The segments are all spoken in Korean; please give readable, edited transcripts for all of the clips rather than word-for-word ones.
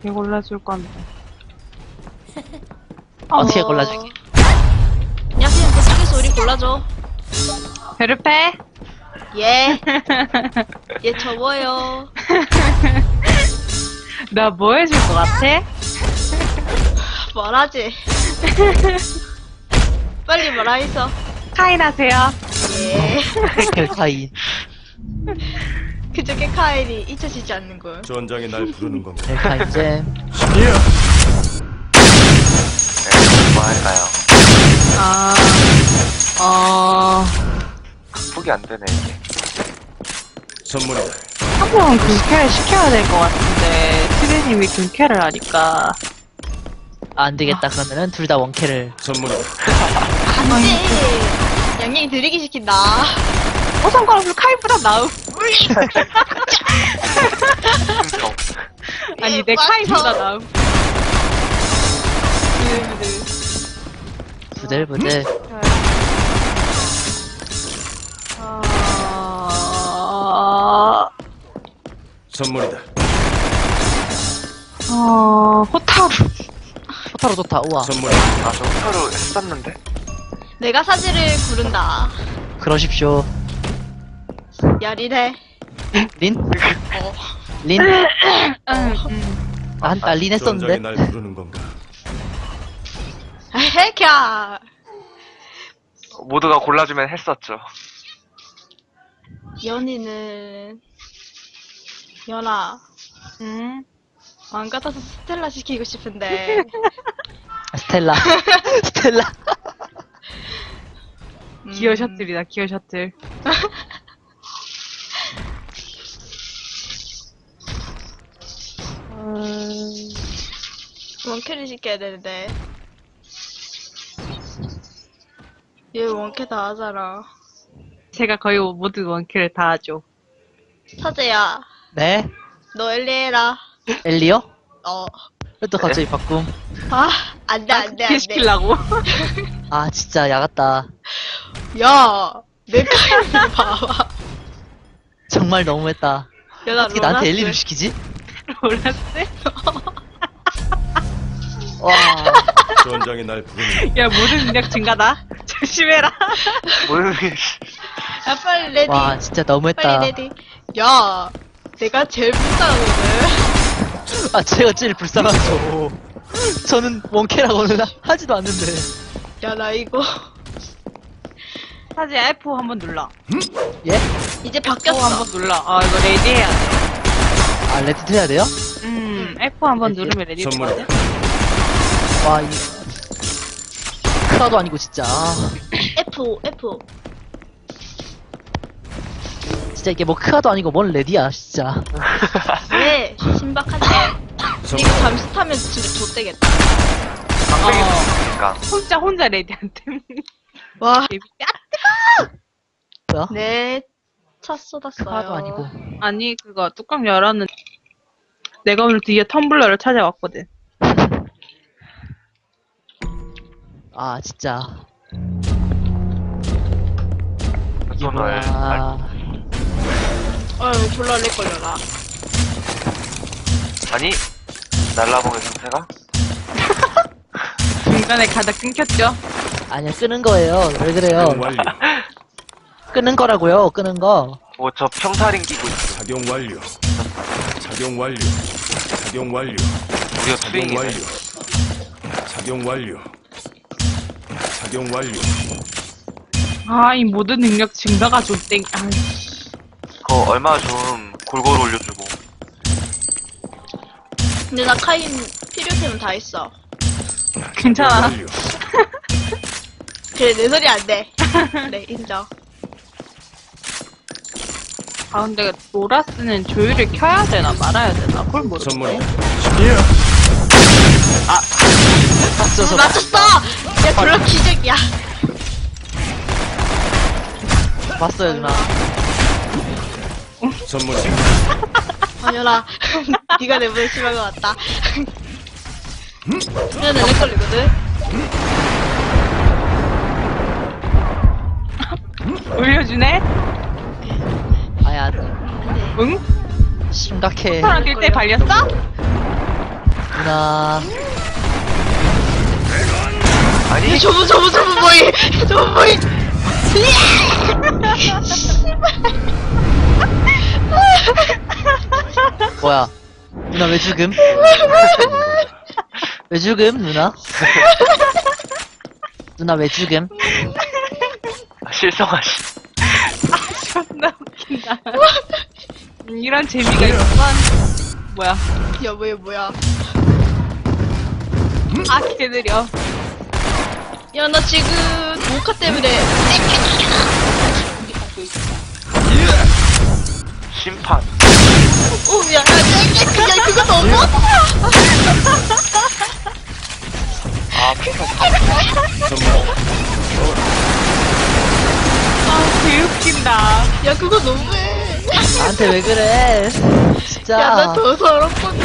어떻게 골라줄 건데. 어떻게 골라줄게? 야, 그냥 계속해서 우리 골라줘. 베르페? 예. 얘 접어요. 나 뭐 해줄 것 같아? 말하지. 빨리 말하 있어. 카인 하세요. 예. 켈카인. 그저께 카일이 잊혀지지 않는 걸. 전장이 날 부르는 건가? 켈카인 잼. 신이야. 네, 뭐 할까요? 극복이 안 되네, 이게. 선물이다. 한 번 금캐를 시켜야 될 것 같은데, 트리님이 금캐를 하니까. 안 되겠다. 그러면은 둘 다 원캐를. 선물이다. 안 돼. 양양이 느리게 시킨다. 상관없어. 카인보다 나음. 흥성. 아니, 내 카인보다 나음. 부들부들. 선물이다. 호타루. 호타로 좋다. 우와. 선물이다. 아, 저 호타루 했었는데? 내가 사지를 구른다. 그러십시오. 야리래. 린? 어. 린? 응. 나 린 전장이 했었는데. 날 부르는 건가? 헤캬. 모두가 골라주면 했었죠. 연이는 연아 응. 안 같아서 스텔라 시키고 싶은데 스텔라. 스텔라. 기어 셔틀이다, 기어 셔틀. 원캐를 시켜야 되는데 얘 원캐 다 하잖아. 제가 거의 모든 원캐를 다 하죠. 사제야 네? 너 엘리 해라. 엘리요? 어. 왜 또 갑자기 바꿈? 아 안돼 안돼 어떻게 안돼. 시키려고? 아, 진짜 야같다. 야내 카이를 봐봐. 정말 너무했다. 야 나 어떻게 나한테 엘리를 시키지? 몰랐어? 와. 전장이 날 부르는 야, 모든 능력 증가다. 조심해라. 모르는 야 빨리 레디. 와, 진짜 너무했다. 빨리 레디. 야 내가 제일 불쌍하거든. 아, 제가 제일 불쌍하죠. 저는 원캐라고는 하지도 않는데. 야 나 이거 사지 F 한번 눌러. 예? 이제 F 바뀌었어. 한번 눌러. 이거 레디 해야 돼. 아, 레디트 해야 돼요? F 한번 레디. 누르면 레디 선물이다. 되거든? 와, 이. 크라도 아니고, 진짜. F. 진짜 이게 뭐 크라도 아니고 뭔 레디야, 진짜. 왜? 신박한데. 선물. 이거 잠수 타면 진짜 좆되겠다. 강백이 있으니까. 혼자 레디한테. 와. 뭐야? 네. 차 쏟았어요. 크라도 아니고. 아니, 그거 뚜껑 열었는데. 내가 오늘 드디어 텀블러를 찾아왔거든. 아, 진짜. 이게 오늘 뭐야. 아유, 졸라 렉 걸려라. 아니, 날라봉의 상태가? 중간에 가다 끊겼죠? 아니야, 끄는 거예요. 왜 그래요? 작용 완료. 끄는 거라고요, 끄는 거. 저 평타링 끼고 있어. 작용 완료. 작용 완료. 작용 완료. 우리가 작용 트윙이네. 완료. 작용 완료. 작용 완료. 이 모든 능력 증가가 좀 땡. 그거 얼마 좀 골고루 올려주고. 근데 나 카인 필요템은 다 있어. 괜찮아. 완료. 그래, 내 소리 안 돼. 그래, 인정. 근데 노라스는 조율을 켜야 되나 말아야 되나? 그걸 모르겠네. 선물이다. 신이야. 맞춰서. 맞췄어! 야, 졸라 기적이야. 봤어요, 누나. 선물이다. 아니라, 네가 내보다 심한 것 같다. 그냥 내렉 걸리거든? 올려주네? 아야, 응? 심각해. 사람 뛸때 발렸어? 누나. 아니, 저분 뭐이. 저분 뭐이. 뭐야? 누나 왜 죽음? 왜 죽음, 누나? 누나 왜 죽음? 실성하시. 존나 웃긴다. 이런 재미가 있구만. 뭐야. 야, 뭐야. 아, 개느려. 야, 나 지금 모카 때문에. 심판. 오, 야, 그거 너무. 아, 피터. 아, 개웃긴다. 야, 그거 너무해. 나한테 왜 그래? 진짜. 야, 나 더 서럽거든.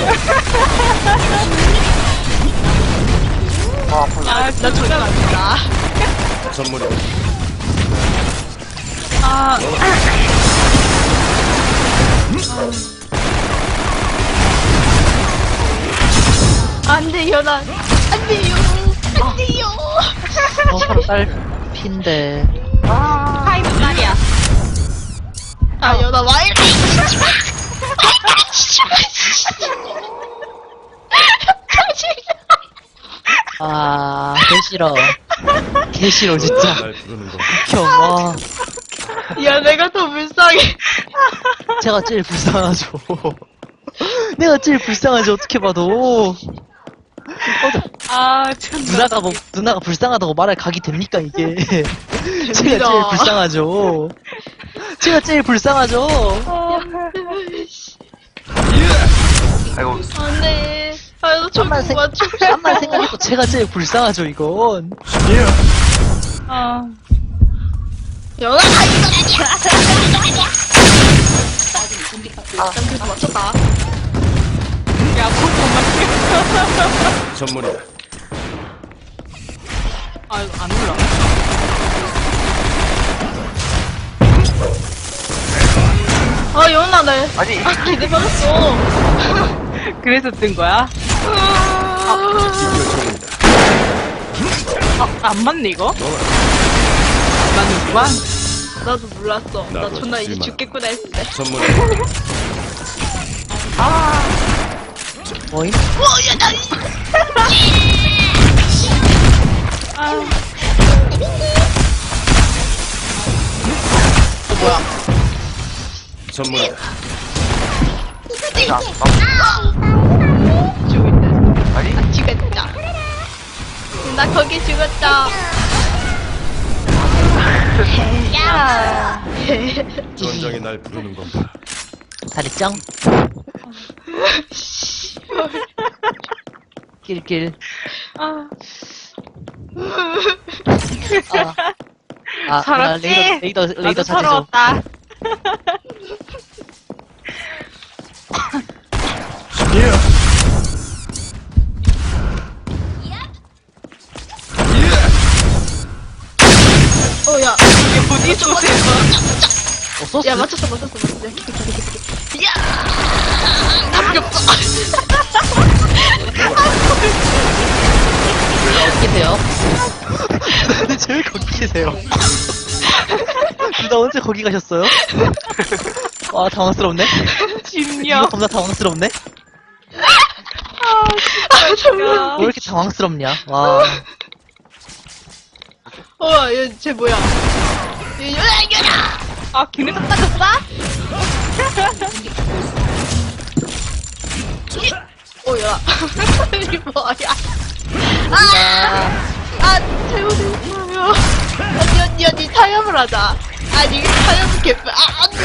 아, 아, 나 저장 안 된다. 선물이 아, 안 돼요, 난. 안 돼요. 안 돼요. 하루 딸핀데. 타이밍 말이야. 아, 야, 나 와이래. 아, 개 싫어. 개 싫어, 진짜. 날 부르는 건가? 형, 와. 야, 내가 더 불쌍해. 제가 제일 불쌍하죠. 내가 제일 불쌍하지, 어떻게 봐도. 아, 존나. 누나가 불쌍하다고 말할 각이 됩니까, 이게. 제가 제일 됩니다. 불쌍하죠. 제가 제일 불쌍하죠. 아이고, 안 돼. 아, 너 잠만 저거 맞춰. 잠만 생각해도 제가 제일 불쌍하죠, 이건. 아, 연아, 난 그래도 맞췄다. 야, 그거 선물이다. 아, 이거 안 올라. 아, 연아, 나. 아니, 아, 기대 받았어. 그래서 뜬 거야? 요청입니다. 아, 안 맞네, 이거? 맞는구만. 나도 몰랐어. 나 나도 존나 이제 실망. 죽겠구나 했을 때. 선물이다. 뭐임? 선물이다. 자, 죽었다. 아니, 죽었다. 나 거기 죽었다. 야. 전장이 날 부르는 건가? 잘했죠? 낄낄. 아, 아, 서럽지? 레이더 나도 찾으죠. 서러웠다. 어, 야. 이게 어디 있었어? 소스? 야, 맞췄어. 야! 남겼어. 계세요? 근데 왜 거기 계세요? 누나 언제 거기 가셨어요? 와, 당황스럽네? 이거 진려. 겁나 당황스럽네? 아, 정말. 왜 이렇게 당황스럽냐? 와. 얘, 쟤 뭐야? 연아! 아, 걔네 딱 따졌어? 야. 이 뭐야? 아, 잘못했어요. 언니, 타협을 하자. 아니, 타협은 개뿔. 언니.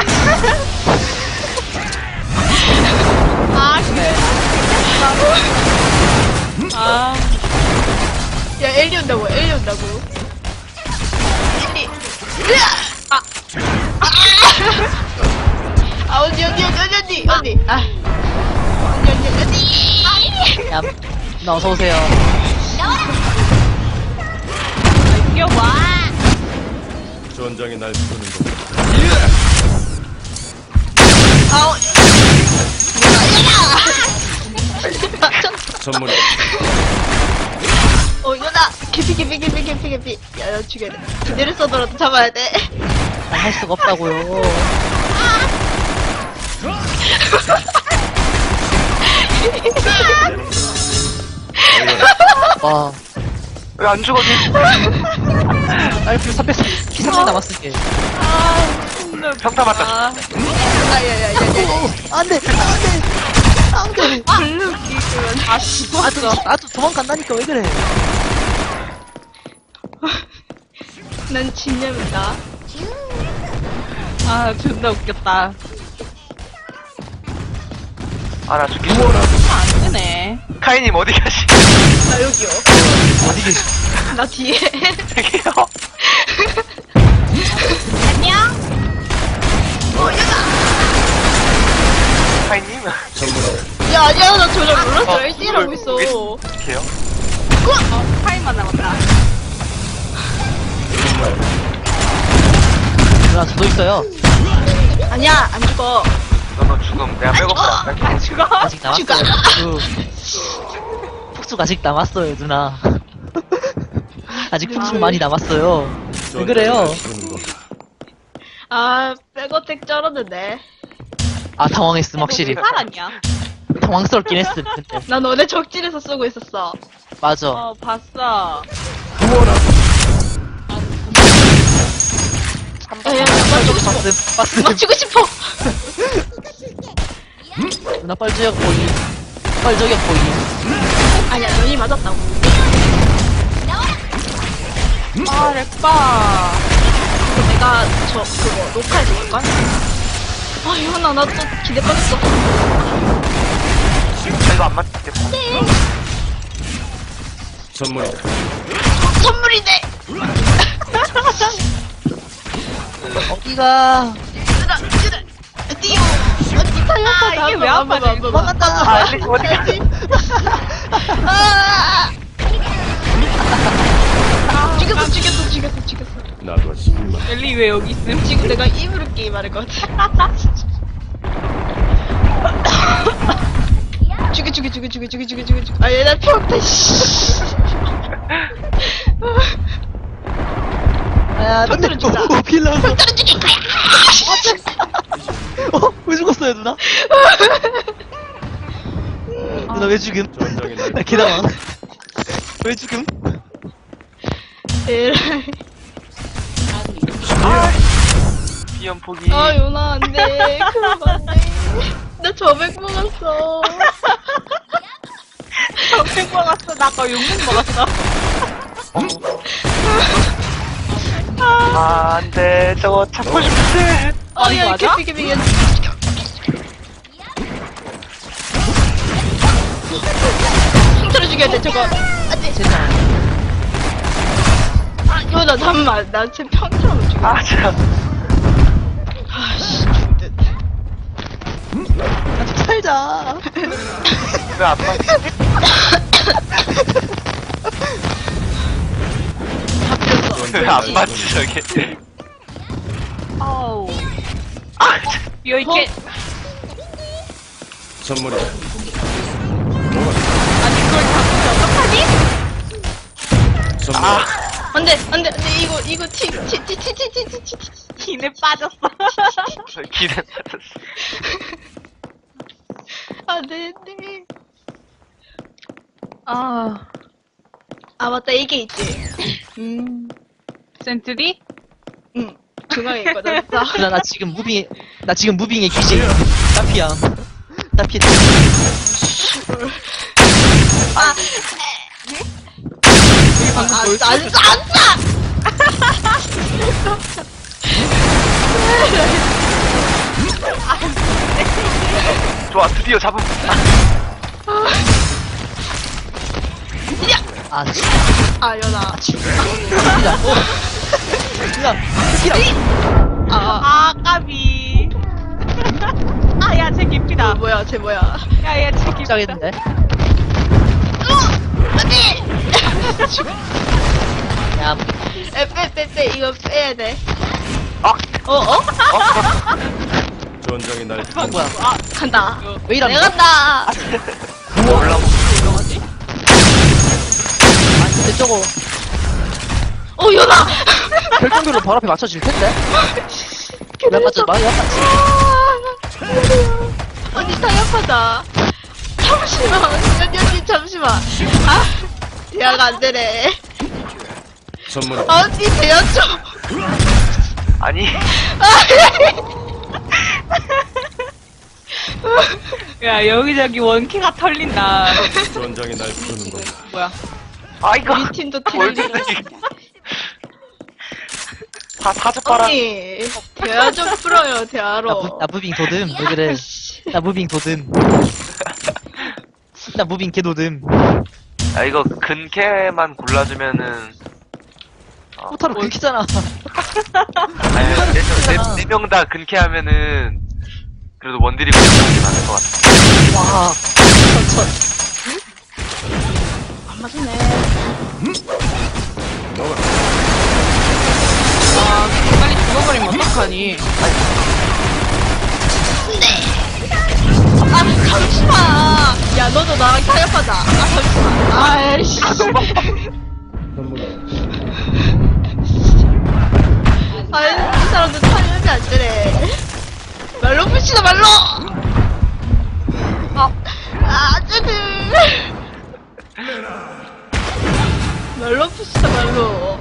그래. 아, 야, 엘리 온다고. 엘리. 언니. 언니. 야, 나 어서오세요. 이겨봐. 전장이 날 부르는 건가? 선물이 연아! 개피. 야, 죽여야 돼. 그대를 써더라도 잡아야 돼. 할 수가 없다고요. 와, 왜 안 죽어, 니? 알프 300 남았을게. 평타 맞다. 야. 안 돼! 블루기는 다 죽었어. 나도 도망간다니까 왜 그래? 난 진념이다. 아, 존나 웃겼다. 아, 나 죽겠어. 안 되네. 카이님 어디 가시? 나 여기요. 어디 계시? 나 뒤에. 저기요. 안녕? 카이님? 선물이 야, 아니야. 나 저절 몰랐어. 어, 1대1하고 있어. 이렇게요? 타임만 남았다. 누나 저도 있어요. 아니야, 안 죽어. 너 죽음. 내가 백업을 안 갈게. 죽어? 아직 남았어요. 폭죽 아직 남았어요, 누나. 아직 폭죽 많이 남았어요. 왜 그래요? 아, 백어택 쩔었는데. 아, 당황했음, 확실히. 살았냐? 당황스럽긴 했음, 근데. 나 너네 적진에서 쓰고 있었어. 맞아. 어, 봤어. 야, 봤음. 맞추고 싶어. 누나 뻘저격 보이. 뻘저격 보이. 아니야, 너희 맞았다고. 아, 렉바. 그거 내가 그거 녹화해서 볼까? 아, 이현아, 나 또 기대 빠졌어. 이거 안 맞겠다. 선물이 선물이네! 어디가? 띠용! 어디 살렸어, 이게 왜 안 맞아? 도망갔다. 아, 어디 가시? 죽였어. 나도 싶지만 엘리 왜 여기 있음? 지금 내가 입으로 게임할 것 같아. 죽여. 아, 얘 나 피웠다, 씨. 아, 벽돌을 주자. 빌라서. 벽돌을 죽일 거야! 왜 죽었어요, 누나? 누나 왜 죽음? 전장의 날 나 개당황. 왜 죽음? 에라이. 비염 포기. 아, 요나, 안 돼. 그럼 안 돼. 나 저백 먹었어. 적색 먹었어. 나 아까 용맥 먹었어. 아, 안 돼. 저거 잡고 싶은데. 아, 이거 야, 맞아? 개피. 흉터를 죽여야 돼, 저거. 안 돼. 제발. 아, 요나, 잠깐만. 나 지금 평타로 죽여. 아, 참. 아, 씨, 죽듯. 살자. 왜 안 맞지? 왜 안 맞지, 저게? 아우. 여이게 선물이 아니 그걸 잡으면 어떡하니? 선물 안 돼. 이거 티. 기내 빠졌어. 기대 맞았어. 안 돼. 아, 아, 맞다. 이게 있지. 센트리? 응. 중앙에 있거든. 자. 누나 나 지금 무빙의 귀신. 따피야. 따피. 아, 안 싸! 좋아, 드디어 잡음. 아, 아, 연아. 진짜. 누나, 스키라. 아, 까비. 아, 야, 쟤 깊이다. 뭐야, 쟤 뭐야. 야, 얘 쟤 깊이다. 시작했는데. 안 돼! 야, 빼. 이거 빼야 돼. 아, 전장의 날 뭐야? 간다. 왜 이러는 내가 거야? 간다. 올라오고. 한다고 연아! 결정적으로 바로 앞에 맞춰질 텐데. 왜 맞춰? 많이 아팠지. 언니 타협하자. 잠시만. 언니 잠시만. 대화가 안 되네. 선물 언니 대화 좀. 아니 야, 여기저기 원키가 털린다. 전장이 날 부르는 건가. 뭐야. 아 이거 우리 팀도 뭘 틀리고. 다 사자빠라. 언니 대화 좀 풀어요. 대화로. 나 무빙 도듬. 왜 그래? 나 무빙 도듬. 나 무빙 개도듬. 야 이거 근캐만 골라주면은 포타로 긁히잖아. 아니 네 명 다 근캐하면은 그래도 원딜이 골라주면 안될 것 같아. 와. 천천. 안 맞네. 아, 빨리 죽어버리면 어떡하니. 잠시만. 야 너도 나랑 타협하자. 잠시만. 아이씨. 아이 이 사람들 타협이 안 되네. 말로 붙이다 말로. 아저들. 말로 붙이다 말로.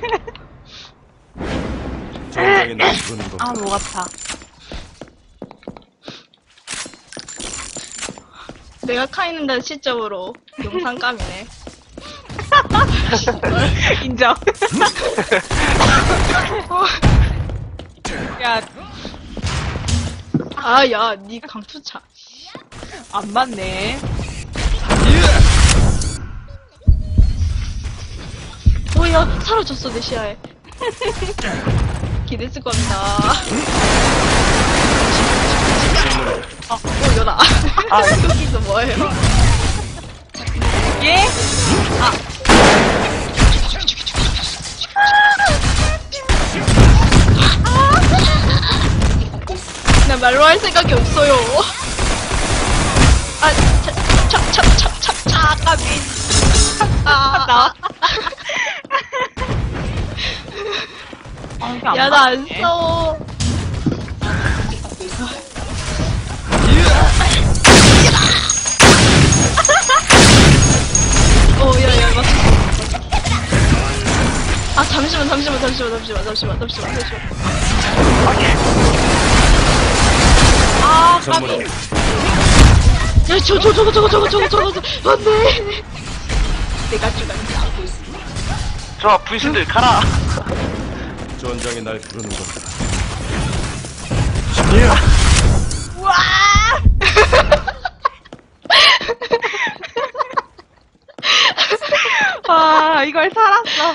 전장이 날 부르는 건가. 아, 뭐 같아. 내가 카이는다는 시점으로 영상감이네. 인정. 야, 야, 니 강투차. 안 맞네. 야, 사라졌어, 내 시야에. 기대했을 겁니다. 연아. 여기서 뭐예요? 예? 나 말로 할 생각이 없어요. 까비. 나. 야, 나 안 싸워. 야, 맞췄어. 잠시만. 선물 야, 저거. 안 돼. 내가 죽었다. 좋아 분신들 가라. 전장이 날 부르는 건가. 우와! 와, 이걸 살았어.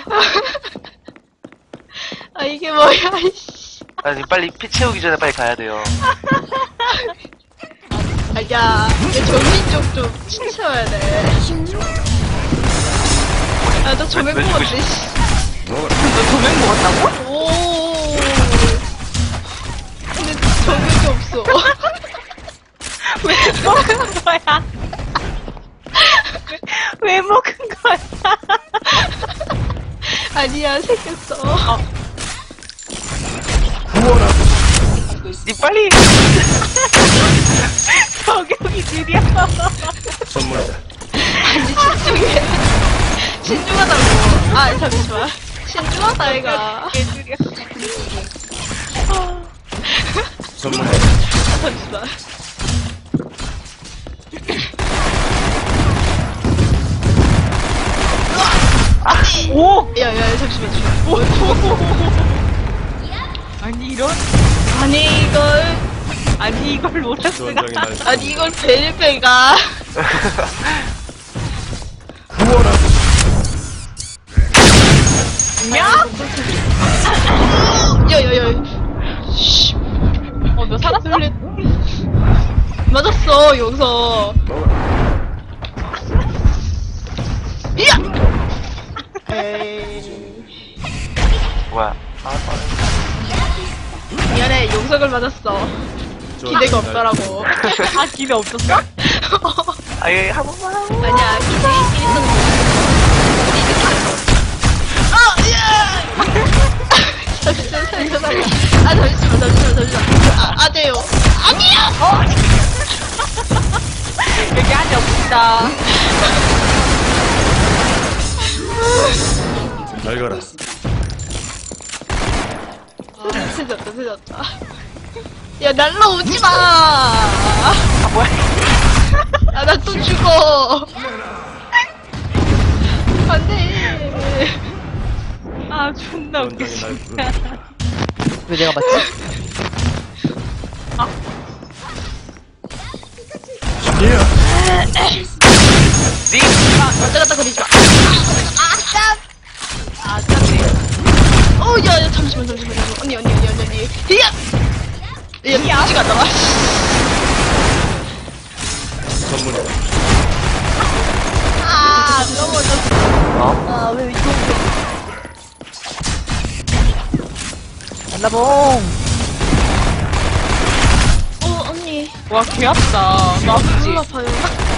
이게 뭐야, 이씨. 아니 빨리 피 채우기 전에 빨리 가야 돼요. 야, 얘 정신 쪽좀 치워야 돼. 나 조명 왜 먹었네, 죽으시- 씨. 너 조명 먹었다고? 오. 근데 조명이 없어. 왜 먹은 거야? 왜 먹은 거야? 아니야, 생겼어. 니 빨리. 저격이 느려. 선물이다. 아니, 신중하다고. 잠시만. 신중하다, 얘가. 개 느려. 선물이다. 잠시만. 오! 야, 잠시만. 아니, 이런. 아니, 이걸 로라스가. 전장이 날 부르는 아니, 이걸 베리베가. 야? 야. 씨. 너 살았어? 맞았어, 여기서. 야! 에이. 뭐야? 미안해, 용석을 맞았어. 기대가 없더라고. 아, 기대 없었어? 아예 한 번만 하고. 아니야, 기대 있긴 있었는데. 잠시만. 아, 잠시만. 아, 돼요. 아니요! 여기 한이 없습니다. 잘 가라. 늦었다. 야, 날라오지 마! 뭐야? 아, 나 또 죽어! 안 돼! 아, 존나 웃겨. 원장이 날 부른다. 왜 내가 맞지? 예. 왔다 갔다 거리지 마. 아, 짠네. 야, 잠시만. 언니. 히야! 야, 같이 갔다 와. 선물이다. 넘어졌어. 왜 이쪽 날라봉 언니. 와, 개 아프다. 나 아프지? 너무 아파요.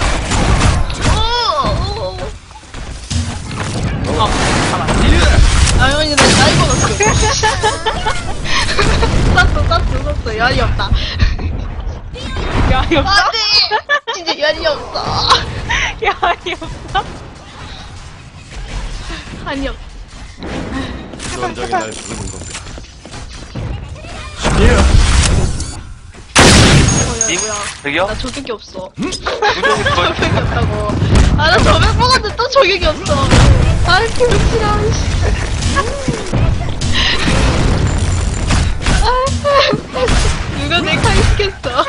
언니, 나 이거 넣었어. 쌌어. 열이 없다. 야, 이 없어? 안 돼! 진짜 열이 없어. 야, 이 없어? 한이 없. 원장이 날 부르는 건가. 예. 뭐야. 저기요? 나 저격이 없어. 구경이 거의 저격이 없다고. 아, 나 저격 먹었는데 또 저격이 없어. 아, 개웃기다. 누가 내 칼 시켰어?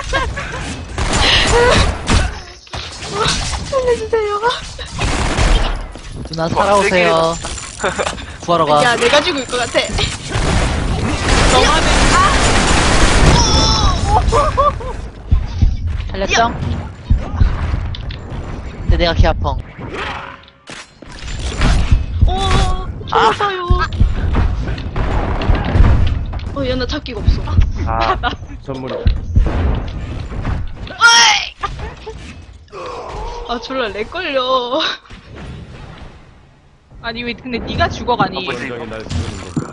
살려주세요. 누나 살아오세요 구하러 가 야, 내가 죽을 것 같아. 살렸죠? 근데 내가 개 아펑 죽었어요. 야, 나 잡기가 없어. 아, 선물이다. 아, 졸라 렉 걸려. 아니, 왜, 근데 네가 죽어가니? 뭐지? 원장이 날 부르는 건가.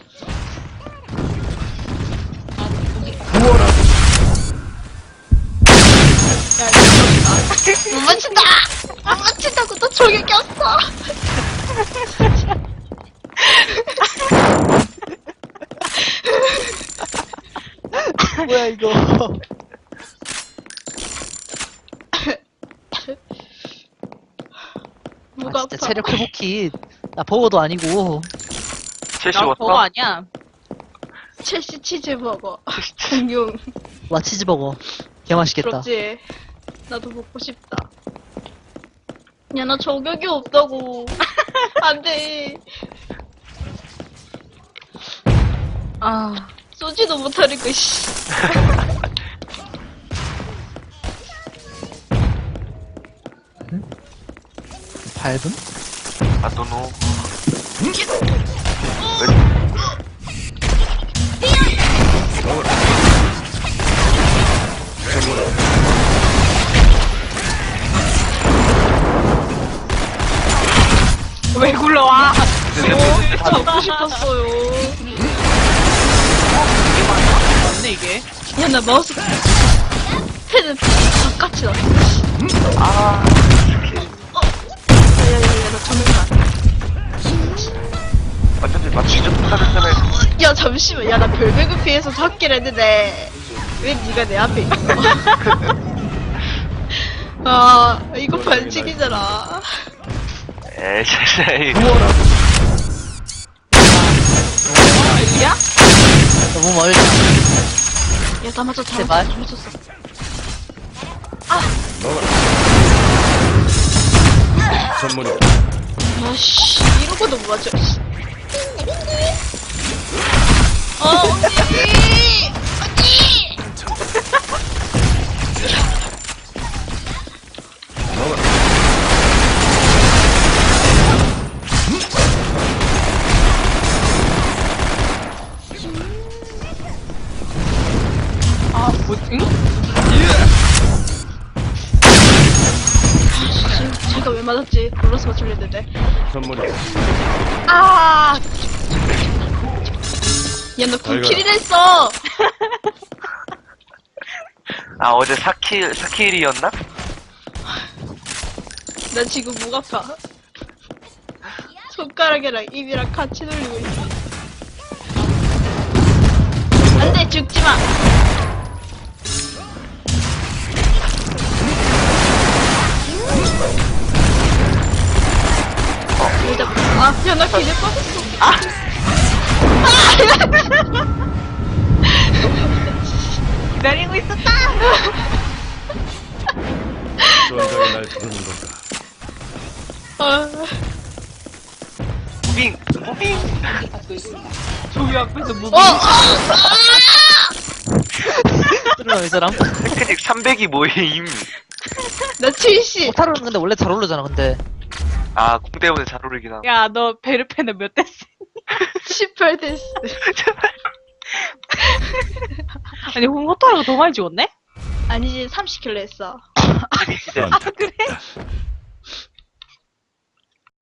야, 이거 못 맞춘다! 못 맞춘다고 또 저격이 없어! 뭐야 이거 누가 진짜 아파? 체력 회복킷 나 버거도 아니고 첼시 나 그거 왔어? 아니야. 첼시 치즈버거. 공룡. 와 치즈버거 개 맛있겠다 부럽지? 나도 먹고 싶다. 야, 나 저격이 없다고. 안 돼. 아, 쏘지도 못하니까, 씨. 밟음? 아, 노노. 왜 굴러와? 잡고 싶었어요. 맞네, 이게. 야, 나 마우스 패드 바깥이 났어. 아, 야야야야, 나 전멸가. 어쩐지 맞추지 못하는잖아요. 야, 잠시만. 야, 나 별배그 피해서 잡기를 했는데 왜 네가 내 앞에 있어? 아, 이거 반칙이잖아. 에이, 샤샤이. 야? 너무 멀다 야, 다 맞췄어. 제발. 다 맞췄어. 선물이다. 아씨, 이러고도 못 맞춰. 씨. 언니! 언니! 아, 뭐, 응? 제가 왜 맞았지? 블러스 맞출랬는데. 선물이 아! 야, 너 잘 9킬이나 했어! 아, 어제 4킬이었나? 나 지금 목 아파. 손가락이랑 입이랑 같이 돌리고 있어. 안 돼, 죽지 마! 야, 나 기대 빠졌어. 기다리고 있었다! 쫀하게 날 부르는 건가? 아, 무빙! 무빙! 저기 앞에서 뭐 뚫으면 이 사람? 테크닉 300이 뭐임? 나 70. 오타로는 근데 원래 잘 오르잖아, 근데. 아, 공 때문에 잘 오르긴 함. 야, 너 베르페는 몇 대스? 18 됐어. 아니, 호타루가 더 많이 죽었네? 아니지, 30킬로 했어. 난 그래?